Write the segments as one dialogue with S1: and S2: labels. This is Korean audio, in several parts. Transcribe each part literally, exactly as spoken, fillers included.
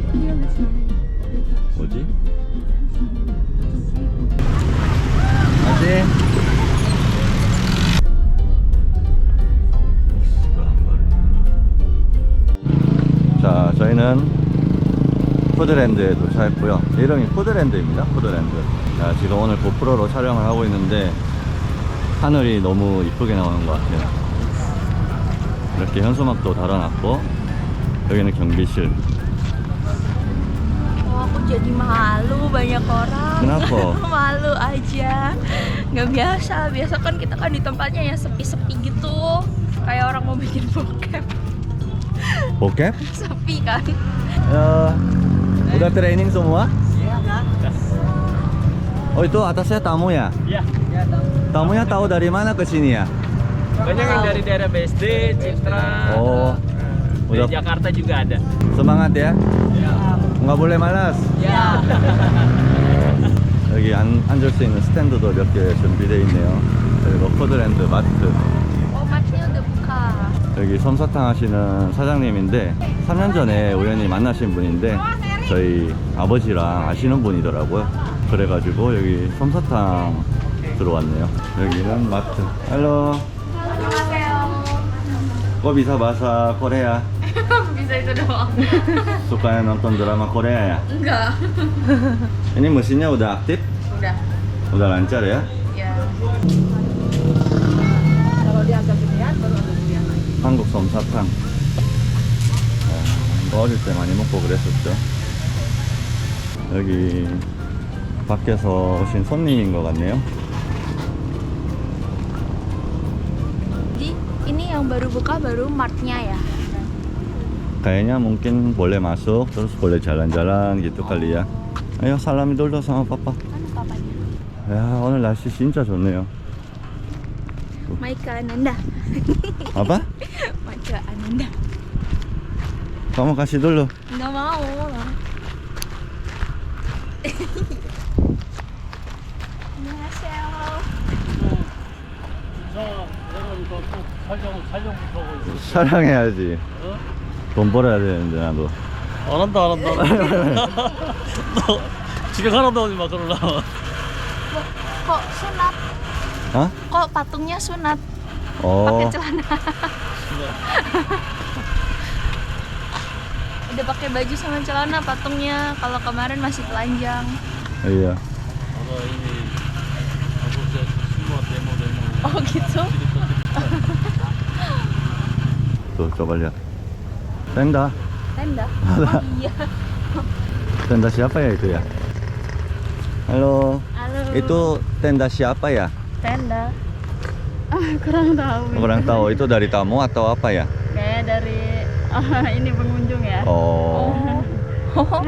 S1: 뭐지? 아직? 자, 저희는 푸드랜드에 도착했고요. 이름이 푸드랜드입니다. 푸드랜드. 자, 지금 오늘 고프로로 촬영을 하고 있는데 하늘이 너무 이쁘게 나오는 것 같아요. 이렇게 현수막도 달아놨고 여기는 경비실.
S2: Oh, aku jadi malu banyak orang.
S1: Kenapa?
S2: Malu aja. Nggak biasa. Biasa kan kita kan di tempatnya yang sepi-sepi gitu. Kayak orang mau bikin bokep.
S1: Bokep?
S2: Sepi kan?
S1: Ya, udah training semua?
S2: Iya kan?
S1: Oh, itu atasnya tamu ya?
S3: Iya.
S1: Tamunya tahu dari mana ke sini ya?
S3: Banyak yang dari daerah B S D, Citra.
S1: Oh,
S3: Dari
S1: udah
S3: Jakarta juga ada.
S1: semangat ya?
S3: Ya.
S1: nggak boleh malas.
S3: Ya.
S1: 여기 앉, 앉을 수 있는 스탠드도 몇 개 준비되어 있네요. 그리고 푸드랜드 마트.
S2: Oh, matnya udah buka.
S1: 여기 솜사탕 하시는 사장님인데 삼 년 전에 우연히 만나신 분인데 저희 아버지랑 아시는 분이더라고요. 그래가지고 여기 솜사탕 들어왔네요. 여기는 마트. Halo. Kok bisa bahasa Korea?
S2: Bisa itu doang.
S1: Suka nonton drama Korea ya?
S2: Enggak.
S1: Ini mesinnya udah aktif?
S2: Udah.
S1: Udah lancar ya?
S2: Ya.
S4: Kalau dia agak gedean baru ada gedean lagi.
S1: 한국 솜사탕. 어, 어릴 때 많이 먹고 그랬었죠. 여기 밖에서 오신 손님인 것 같네요.
S2: Jadi ini yang baru buka baru martnya ya.
S1: Kayaknya mungkin boleh masuk terus boleh jalan-jalan gitu kali ya. Ayo salami dulu sama papa.
S2: Mana papanya?
S1: Ya 오늘 날씨 진짜 좋네요.
S2: Maika Ananda.
S1: Apa?
S2: Maika Ananda.
S1: Kamu kasih dulu.
S2: Nggak mau lah. 안녕하세요.
S3: 촬영, 촬영부터 하고 있어.
S1: 촬영해야지.
S3: 어?
S1: 돈 벌어야 되는데 나도.
S3: 안 한다, 안 한다. 너 집에 가라도 하지 마, 그러려면.
S2: Kok sunat?
S1: Hah?
S2: Kok patungnya sunat?
S1: Oh.
S2: Pakai celana. Udah pakai baju sama celana patungnya. Kalau kemarin masih telanjang.
S1: Iya.
S3: Ada ini, aku semua demo-demo.
S2: Oh gitu?
S1: Tuh coba lihat. Tenda.
S2: Tenda? Oh iya.
S1: Tenda siapa ya itu ya? Halo.
S2: Halo.
S1: Itu tenda siapa ya?
S2: Tenda. Ah, kurang tahu.
S1: Kurang tahu itu dari tamu atau apa ya?
S2: Kayak dari ah, ini pengunjung ya.
S1: Oh.
S2: Oh.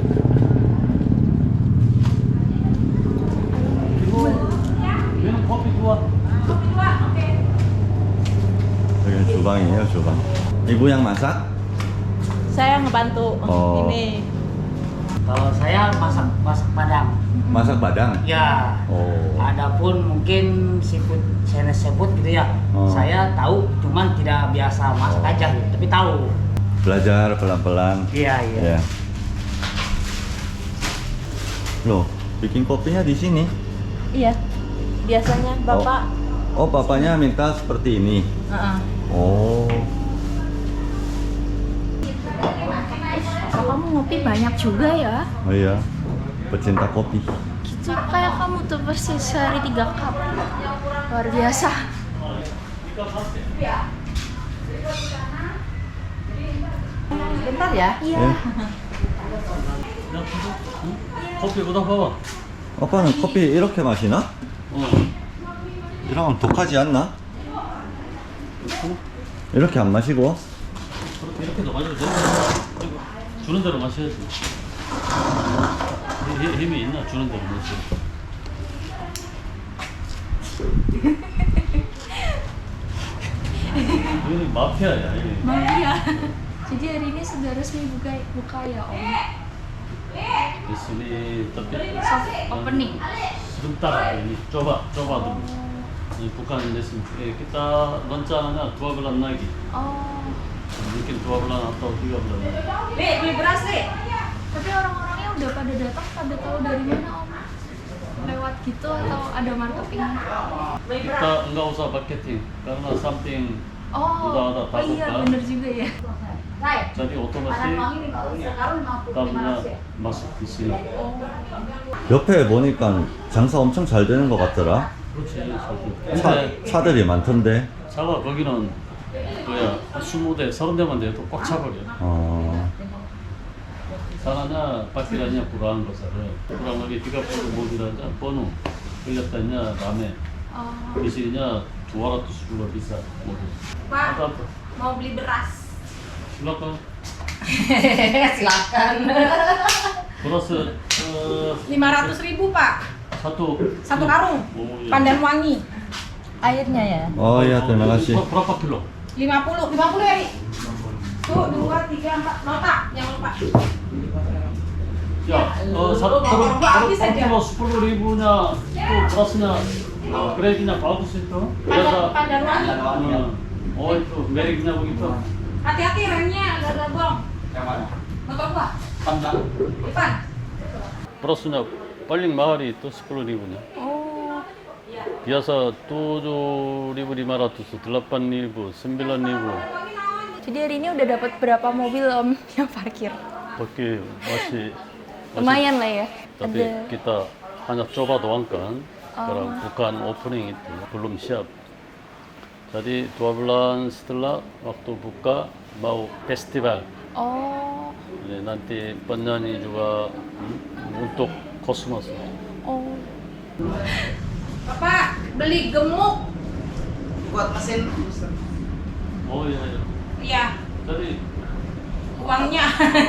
S3: 얘는 커피 좋아.
S1: 여기는 주방이에요, 주방. Ibu yang masak?
S4: Saya ngebantu
S1: Oh.
S4: ini.
S5: Kalau saya masak masak Padang.
S1: Masak Padang?
S5: Ya.
S1: Oh.
S5: Adapun mungkin seafood saya sebut gitu ya.
S1: Oh.
S5: Saya tahu, cuman tidak biasa masak
S1: Oh.
S5: aja gitu, tapi tahu.
S1: Belajar pelan-pelan.
S5: Iya, iya.
S1: Ya. Loh, bikin kopinya di sini.
S4: Iya. Biasanya Bapak
S1: Oh, papanya minta seperti ini.
S4: Heeh.
S1: Oh.
S2: Oh, kamu ngopi banyak juga ya?
S1: Oh iya. Pecinta kopi.
S2: Gitu kayak kamu tuh persis sehari tiga cup. Luar biasa.
S4: Bentar ya.
S2: Iya.
S1: 예.
S3: 야, 응? 커피 보다 봐봐.
S1: 아빠는 커피 이렇게 마시나?
S3: 어.
S1: 이러면 독하지 않나? 이렇게 안 마시고?
S3: 그렇게 이렇게도 마셔도 돼. 주는 대로 마셔야지. 힘- 힘이 있나? 주는 대로 마셔. ini 마피아야. ini.
S2: Mafia. Jadi hari ini sudah resmi buka buka ya Om.
S3: Di sini tapi
S2: Soft opening.
S3: sebentar ini coba coba dulu. Ini bukan lesson. Eh, kita rencana dua bulan lagi.
S2: Oh.
S3: Mungkin dua bulan atau tiga bulan lagi.
S4: Nih, beli beras nih.
S2: Tapi orang-orangnya udah pada datang, pada tahu dari mana om? Lewat gitu atau ada marketing?
S3: Kita nggak usah marketing karena something
S2: Oh,
S3: udah ada
S2: oh iya
S3: tahu,
S2: bener juga ya.
S3: jadi otomatis tahunya masuk di sini.
S1: 옆에 보니까 장사 엄청 잘 되는 것 같더라.
S3: 그렇지.
S1: 차,
S3: 근데
S1: 차들이 많던데.
S3: 차가 거기는 뭐야 스무 대, 서른 대만 돼도 꽉 차버려.
S1: 어,
S3: 사나냐 바퀴라냐 불안한 것을 불안한 게 비가 뿌고 뭐지라냐 번호 걸렸다냐 라메
S2: Oh,
S3: 비실이냐 dua ratus juga bisa mobil.
S2: Pak,
S3: Apa apa?
S2: mau beli beras.
S3: Silakan.
S4: Silakan.
S3: Beras eh,
S4: lima ratus ribu pak,
S3: satu
S4: satu karung.
S3: Oh, iya.
S4: Pandan wangi. Airnya ya.
S1: 어, 야, terima kasih.
S3: Ber- Berapa kilo?
S4: lima puluh, lima puluh ya Ri? Tuh, dua, tiga, empat, nota, jangan lupa.
S3: Ya, eh, satu
S4: Kalau
S3: per
S4: habis
S3: per
S4: aja.
S3: kilo sepuluh ribunya itu berasnya eh, gradenya bagus itu.
S4: Pandan,
S3: Biasa.
S4: pandan wangi.
S3: eh, Oh itu mereknya begitu.
S4: Hati-hati remnya, agak gabung.
S5: Yang mana?
S4: Motor gua,
S5: Pandang.
S4: Ivan.
S3: berasnya paling mahal itu sepuluh ribunya.
S2: Oh,
S3: Biasa tujuh ribu lima ratus, delapan ribu, sembilan ribu.
S2: jadi hari ini udah dapat berapa mobil om yang parkir?
S3: Oke, masih
S2: Lumayan lah ya.
S3: tapi
S2: Ada.
S3: kita hanya coba doang kan.
S2: Oh.
S3: Sekarang bukan opening itu, belum siap. Jadi dua bulan setelah waktu buka mau festival.
S2: Oh,
S3: Jadi nanti penyanyi juga hmm, untuk kosmos.
S2: oh.
S4: Bapak, beli gemuk.
S5: Buat mesin.
S3: Oh iya, iya.
S4: Iya,
S3: Jadi
S4: uangnya.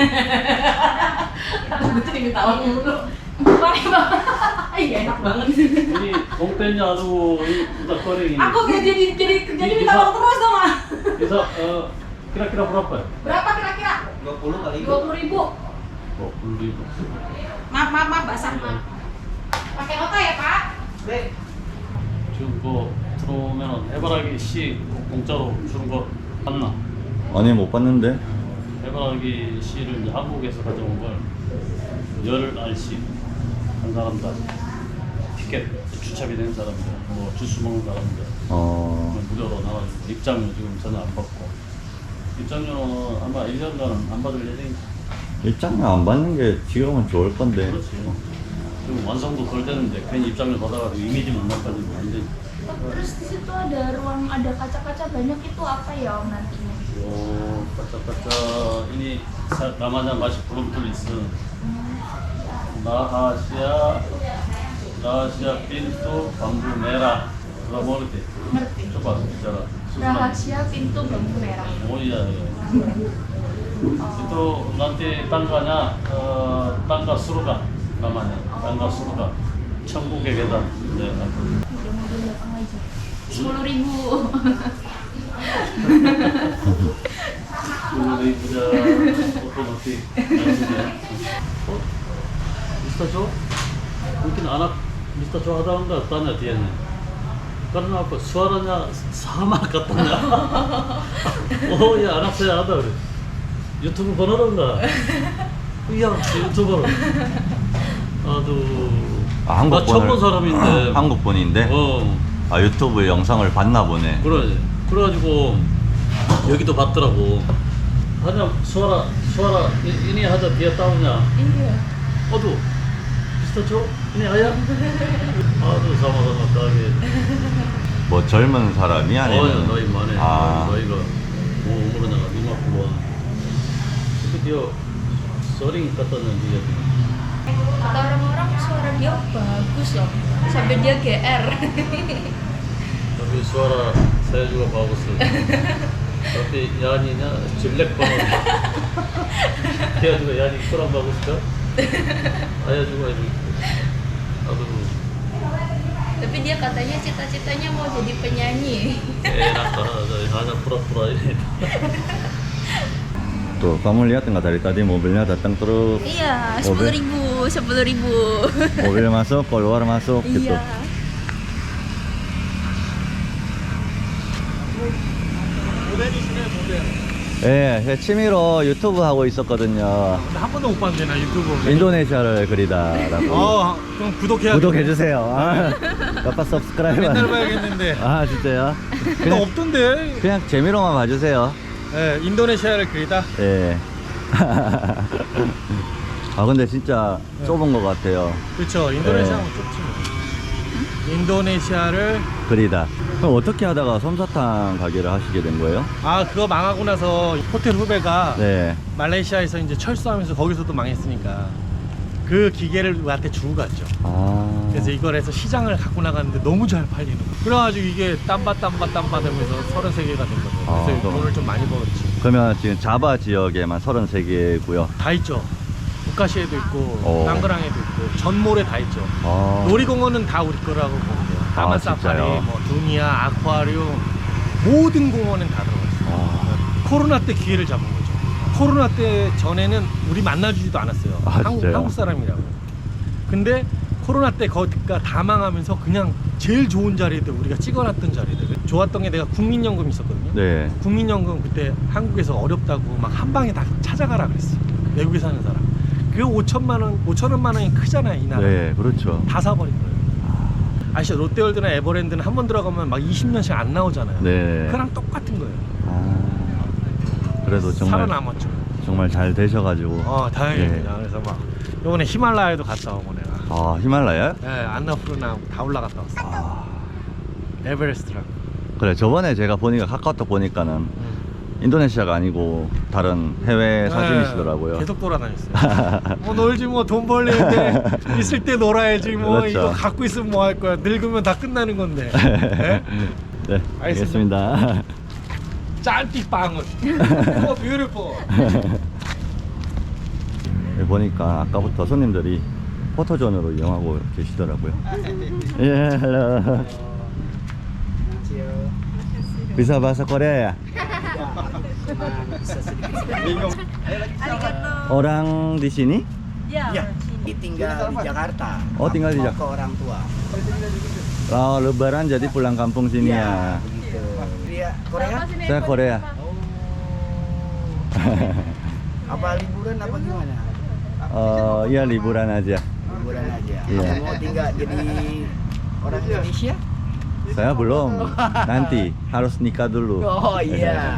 S4: Betul diminta uang dulu. Uangnya bapak. Iya enak banget.
S3: ini kontennya aduh ini udah goreng ini.
S4: Aku kayak jadi jadi jadi
S3: Bisa.
S4: minta uang terus dong ah.
S3: Bisa eh, kira-kira berapa ya?
S4: Berapa kira-kira?
S5: dua puluh kali.
S4: Dua puluh ribu.
S3: dua puluh ribu.
S4: Maaf maaf maaf basah maaf. Pakai nota ya pak?
S5: 네.
S3: 지금 그거 들어오면 해바라기 씨 공짜로 주는 거 봤나?
S1: 아니, 못 봤는데.
S3: 해바라기 씨를 이제 한국에서 가져온 걸 열 알씩 한 사람당 티켓 주차비 낸 사람들, 뭐 주스 먹는 사람들
S1: 어,
S3: 무료로 나와주고 입장료 지금 전혀 안 받고 입장료는 아마 일 년간 안 받을 예정이지.
S1: 입장료 안 받는 게 지금은 좋을 건데.
S3: 그렇지. 지금 완성도 덜 되는데 괜히 입장료 받아가지고 이미지만 나빠지면 안 되지.
S2: Terus di situ ada ruang, ada kaca-kaca banyak itu apa ya om nantinya?
S3: 오, 까짝까짝 ini sa- namanya masih belum tulis. Rahasia rahasia pintu bambu merah. Lo mau ngerti?
S2: Ngerti.
S3: Coba bicara.
S2: Rahasia pintu bambu merah.
S3: Oh iya, iya. Itu nanti tangganya eh, tangga surga namanya. Tangga surga. 천국의 계단. 네.
S2: Udah mobil datang aja. Sepuluh ribu.
S3: Sepuluh ribu otomatis. Oh, Mister Joe? Mungkin anak Mister Joe ada enggak? Tanya dia nih. Karena apa? Suaranya sama katanya. Oh ya, anak saya ada. Udah. 유튜브 번호로 enggak? Iya, 유튜버. 아두.
S1: 아, 한국
S3: 나 처음 본
S1: 분을-
S3: 사람인데.
S1: 한국 분인데.
S3: 어,
S1: 아, 유튜브 영상을 봤나 보네.
S3: 그래. 그래가지고 여기도 봤더라고. 하냐, 수아라, 수아라, 이- ini 하자 dia tahunya.
S2: Iya.
S3: Aduh, Mister Joe, ini ayah. Aduh, sama-sama kaget.
S1: 뭐 젊은 사람이
S3: Oh ya,
S1: 아니면
S3: 너희 만에
S1: 아,
S3: 너희가 뭐 umurnya lima puluhan. Itu dia sering katanya dia.
S2: Kata orang-orang suara dia bagus loh. Sampai dia G R.
S3: Tapi suara saya juga bagus. Tapi nyanyinya jelek banget. Dia juga nyanyi kurang bagus kan? Ayah juga ini. Aduh,
S2: Tapi dia katanya cita-citanya mau jadi penyanyi.
S3: enak banget. Hanya pura-pura ini.
S1: tuh kamu lihat nggak dari tadi mobilnya datang terus,
S2: Iya,
S1: Mobil?
S2: sepuluh ribu, sepuluh ribu.
S1: mobil masuk keluar masuk gitu.
S2: Iya.
S3: 모델이시네, 모델.
S1: 예, 제 취미로 유튜브 하고 있었거든요.
S6: 근데 한 번도 못 봤는데 나 유튜브.
S1: 인도네시아를 그리다라고.
S6: 어, 그럼 구독해야
S1: 구독해주세요. 아, 아빠 서브스크라이브.
S6: 맨날 봐야겠는데.
S1: 아, 진짜요?
S6: 나
S1: 그냥,
S6: 없던데.
S1: 그냥 재미로만 봐주세요.
S6: 예, 인도네시아를 그리다.
S1: 예. 아, 근데 진짜 좁은 것 같아요.
S6: 그렇죠. 인도네시아는
S1: 네.
S6: 좁지 뭐. 인도네시아를
S1: 그리다. 그럼 어떻게 하다가 솜사탕 가게를 하시게 된 거예요?
S6: 아 그거 망하고 나서 호텔 후배가
S1: 네.
S6: 말레이시아에서 이제 철수하면서 거기서도 망했으니까 그 기계를 우리한테 주고 갔죠.
S1: 아.
S6: 그래서 이걸 해서 시장을 갖고 나갔는데 너무 잘 팔리는 거예요. 그래가지고 이게 땀바 땀바 땀바 하면서 서른세 개가 된 거죠. 그래서
S1: 아, 그럼.
S6: 돈을 좀 많이 벌었지.
S1: 그러면 지금 자바 지역에만 서른세 개고요.
S6: 다 있죠. 북카시에도 있고
S1: 어.
S6: 땅그랑에도 있고 전몰에 다 있죠.
S1: 아.
S6: 놀이공원은 다 우리 거라고 보면 돼요. 다만
S1: 아,
S6: 사파리,
S1: 진짜요?
S6: 뭐 두니아, 아쿠아리움 모든 공원은 다 들어갔어요.
S1: 아.
S6: 코로나 때 기회를 잡은 거죠. 코로나 때 전에는 우리 만나주지도 않았어요.
S1: 아,
S6: 한국,
S1: 진짜요?
S6: 한국 사람이라고. 근데 코로나 때 거기가 다 망하면서 그냥 제일 좋은 자리들 우리가 찍어놨던 자리들 좋았던 게 내가 국민연금 있었거든요.
S1: 네.
S6: 국민연금 그때 한국에서 어렵다고 막 한 방에 다 찾아가라 그랬어. 외국에 사는 사람. 그 오천만 원, 오천원만 원이 크잖아요, 이 나라.
S1: 네, 그렇죠.
S6: 다 사버린 거예요. 아시죠? 롯데월드나 에버랜드는 한 번 들어가면 막 이십 년씩 안 나오잖아요.
S1: 네.
S6: 그랑 똑같은 거예요.
S1: 아. 그래도 정말
S6: 살아남았죠.
S1: 정말 잘 되셔가지고.
S6: 어, 다행입니다.
S1: 예.
S6: 그래서 막 이번에 히말라야도 갔다 오고 내가.
S1: 아, 히말라야?
S6: 예, 안나푸르나 다 올라갔다 왔어.
S1: 아.
S6: 에베레스트랑.
S1: 그래, 저번에 제가 보니까 카카오톡 보니까는
S6: 음.
S1: 인도네시아가 아니고 다른 해외 사진이시더라고요.
S6: 예, 계속 돌아다녔어요. 뭐 놀지 뭐 돈 벌리는데 있을 때 놀아야지 뭐
S1: 그렇죠.
S6: 이거 갖고 있으면 뭐 할 거야. 늙으면 다 끝나는 건데. 예?
S1: 네, 알겠습니다.
S6: 짤빛 방울. 오, 뷰티풀.
S1: 여기 보니까 아까부터 손님들이 포토존으로 이용하고 계시더라고요. 예, hello. Bisa bahasa Korea ya? Orang di sini?
S5: Iya. Tinggal di Jakarta.
S1: Oh, tinggal di
S5: Mau
S1: Jak-
S5: ke orang tua.
S1: Oh, lebaran jadi pulang kampung sini ya.
S5: Begitu. Dia Korea?
S1: Saya Korea.
S5: Apa liburan apa gimana?
S1: Oh, iya liburan aja.
S5: Liburan aja.
S1: Iya.
S5: Mau tinggal jadi orang Indonesia?
S1: Saya belum. Nanti harus nikah dulu.
S5: Oh iya.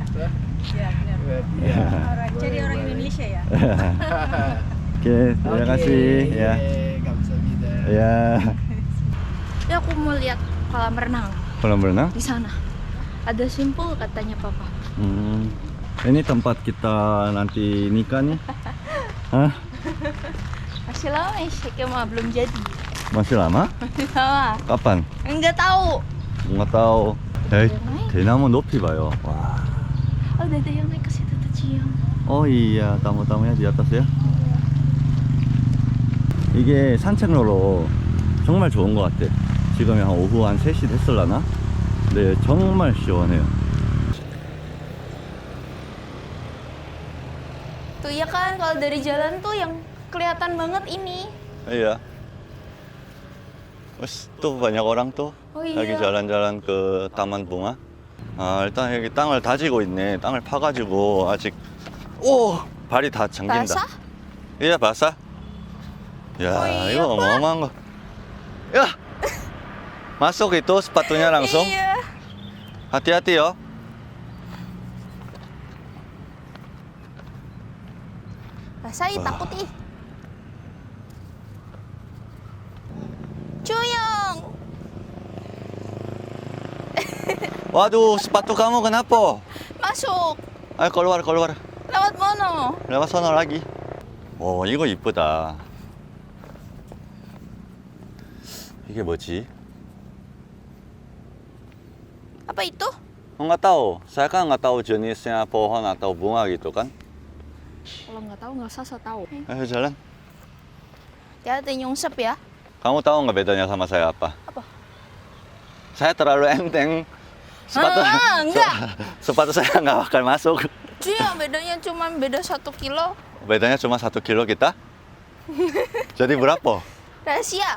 S5: Iya.
S2: Jadi orang Indonesia ya?
S1: Oke, terima kasih ya.
S5: Kamsahamnida.
S1: Ya.
S2: Ya aku mau lihat kolam renang
S1: Kolam renang?
S2: di sana. Ada simpul katanya papa.
S1: Hmm. Ini tempat kita nanti nikah nih. Hah?
S2: Masih lama ya, Syekh mah belum jadi.
S1: Masih lama?
S2: Masih lama.
S1: Kapan?
S2: Enggak tahu.
S1: Nggak tahu. Eh, 대나무 높이 봐요. 와.
S2: Oh, udah ada yang naik ke situ tuh, Cium.
S1: Oh iya, tamu-tamunya di atas ya. 이게 산책로로 정말 좋은 것 같아. 지금이 한 오후 한 세 시 됐을라나? 네, 정말 시원해요.
S2: Tuh ya kan, kalau dari jalan tuh yang kelihatan banget ini.
S1: Iya. Terus tuh banyak orang tuh
S2: Oh iya.
S1: lagi jalan-jalan ke taman bunga. 아, 일단 여기 땅을 다지고 있네. 땅을 파가지고 아직 오 발이 다 잠긴다.
S2: Basah?
S1: Iya basah. Ya,
S2: Oh iya,
S1: 이거
S2: Pak.
S1: 어마어마한 거. Ya, masuk itu sepatunya langsung.
S2: Iya.
S1: Hati-hati yo.
S2: Basah, ih,
S1: Wah.
S2: takut ih. Cuyong.
S1: Waduh, sepatu kamu kenapa?
S2: Masuk.
S1: Ayo keluar, keluar.
S2: Lewat mana?
S1: Lewat sana lagi. 오, 이거 이쁘다. 이게 뭐지?
S2: Apa itu?
S1: Nggak tahu. Saya kan nggak tahu jenisnya pohon atau bunga gitu kan.
S2: Kalau nggak tahu nggak usah so tahu.
S1: Ayo jalan.
S2: Hati-hati nyungsep ya.
S1: Kamu tahu nggak bedanya sama saya apa?
S2: Apa?
S1: Saya terlalu enteng. Sepatu,
S2: Ah, enggak.
S1: sepatu saya nggak bakal masuk.
S2: Cuyong, bedanya cuma beda satu kilo.
S1: Bedanya cuma satu kilo kita. Jadi berapa?
S2: Rahasia.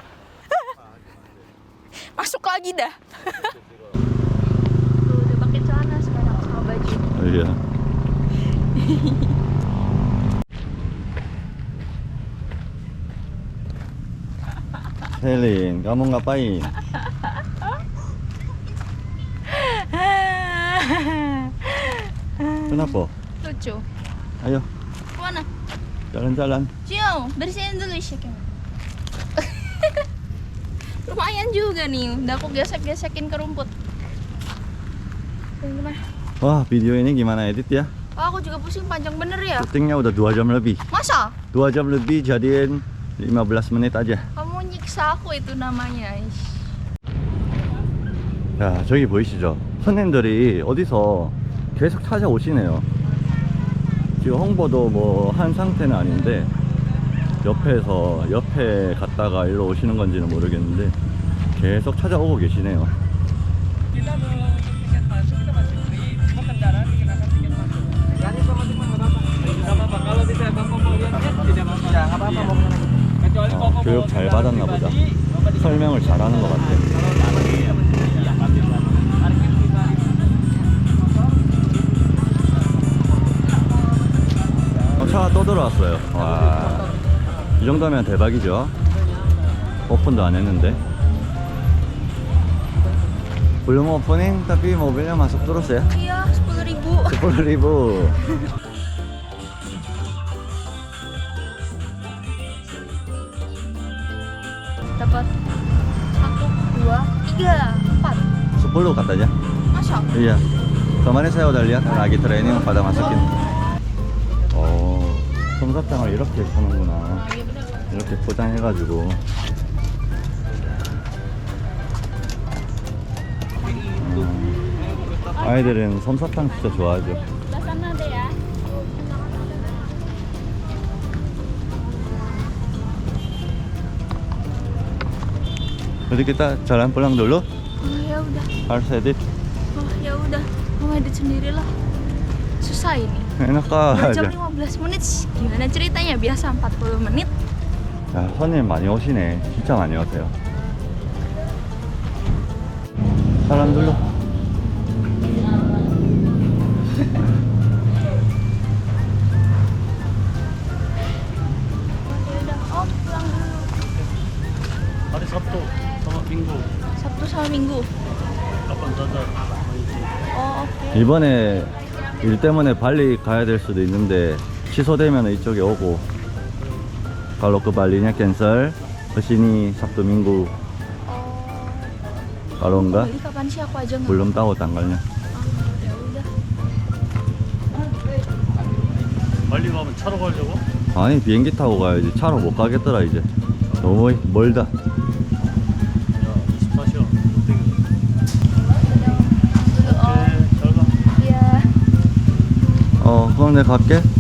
S2: Masuk lagi dah. Tuh, udah pakai celana sekarang sama baju.
S1: Iya. Selin, kamu ngapain? Kenapa?
S2: Lucu.
S1: Ayo,
S2: Mana?
S1: jalan-jalan.
S2: Cio, bersihin dulu shaking. Lumayan juga nih, udah aku gesek-gesekin ke rumput. Yang gimana?
S1: Wah, video ini gimana edit ya?
S2: Oh, aku juga pusing, panjang bener ya.
S1: Syutingnya udah dua jam lebih.
S2: Masa?
S1: dua jam lebih jadiin lima belas menit aja.
S2: Kamu nyiksa aku itu namanya. Ish.
S1: 야, 저기 보이시죠? 손님들이 어디서 계속 찾아오시네요. 지금 홍보도 뭐 한 상태는 아닌데 옆에서 옆에 갔다가 일로 오시는 건지는 모르겠는데 계속 찾아오고 계시네요. 어, 교육 잘 받았나 보다. 설명을 잘하는 것 같아. 어, 차가 또 들어왔어요. 와, 이 정도면 대박이죠. 오픈도 안 했는데. Belum opening tapi mobilnya masuk terus ya.
S2: Iya, sepuluh ribu.
S1: sepuluh ribu.
S2: Dapat satu, dua, tiga, empat.
S1: sepuluh katanya.
S2: Masa?
S1: Iya. Kemarin saya udah lihat lagi training pada masukin. Oh, 솜사탕을 이렇게 파는구나.
S2: Iya bener.
S1: 이렇게 포장해가지고. 음, 아이들은 솜사탕 진짜 좋아하죠.
S2: Sebelah sana deh ya.
S1: Jadi kita jalan pulang dulu.
S2: Oh, ya udah.
S1: Harus edit.
S2: Oh, ya udah. Mau edit sendirilah. Susah ini.
S1: Enak
S2: dua jam
S1: aja.
S2: lima belas menit. Gimana ceritanya? Biasa empat puluh menit.
S1: 야, 손님 많이 오시네. 진짜 많이 오세요. 사람들로.
S2: Ya udah. Oh, pulang dulu.
S3: Hari Sabtu sama Minggu.
S2: Sabtu sama Minggu.
S3: Kapan saja.
S2: Oh, oke.
S1: 이번에 일 때문에 발리 가야 될 수도 있는데 취소되면 이쪽에 오고 kalau ke Balinya cancel kesini Sabtu Minggu
S2: Oh.
S1: kalau enggak
S2: Bali kapan sih aku aja nggak.
S1: belum tahu tanggalnya.
S2: Oh, ya udah.
S3: 빨리 가면 차로 가려고?
S1: 아니 비행기 타고 가야지. 차로 못 가겠더라 이제. 너무 멀다.
S3: 야, 스타시오.
S2: Dulu, oh.
S3: 오케이, 잘 가.
S2: Iya.
S1: 어 그럼 내가 갈게.